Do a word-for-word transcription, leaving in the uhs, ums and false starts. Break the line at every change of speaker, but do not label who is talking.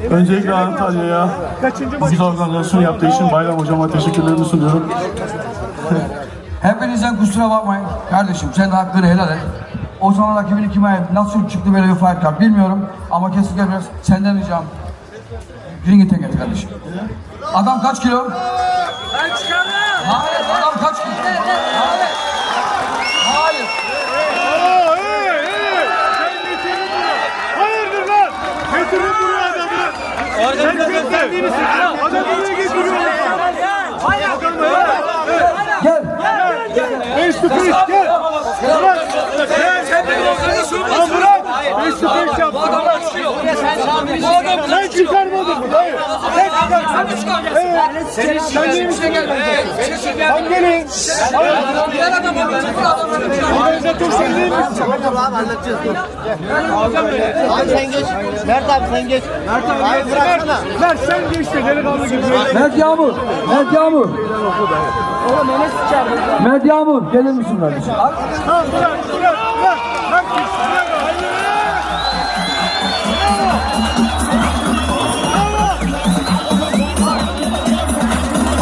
Öncelikle Antalya'ya bu güzel organizasyonu yaptığı için Bayram Hocama teşekkürlerimi sunuyorum.
Hepinizden kusura bakmayın. Kardeşim sen de hakkını helal et. O zaman rakibini kime ayıp, nasıl çıktı böyle bir fight card bilmiyorum. Ama kesinlikle biraz senden ricam. Ring'i tek et kardeşim. Adam kaç kilo?
Ben çıkarım.
Hayır, adam kaç kilo? Hayır. Hayır.
Aa, hey, hey. Sen getirin bunu. Hayırdır lan? Getirin buraya adamı. Sen gösterdiğini sıkıntı. Adamı niye getiriyorsun?
Gel.
Face to face gel. Bırak. Lan bırak. Face to face yap. Sen çıkarmadın mı? Hayır. Sen çıkarmadın. Evet. Sen değil misin? Sen gelin. Organizatör sen değil misin?
Tamam halledeceğiz dur. Abi sen geç. Mert abi sen geç. Mert abi, abi bıraksana.
Mert sen geç de delikanlı gibi.
Mert Yağmur. Mert Yağmur. Mert Yağmur. Gelir misin kardeşim?
Tamam bırak bırak bırak. Mert gitsin. Bırak. Hayır.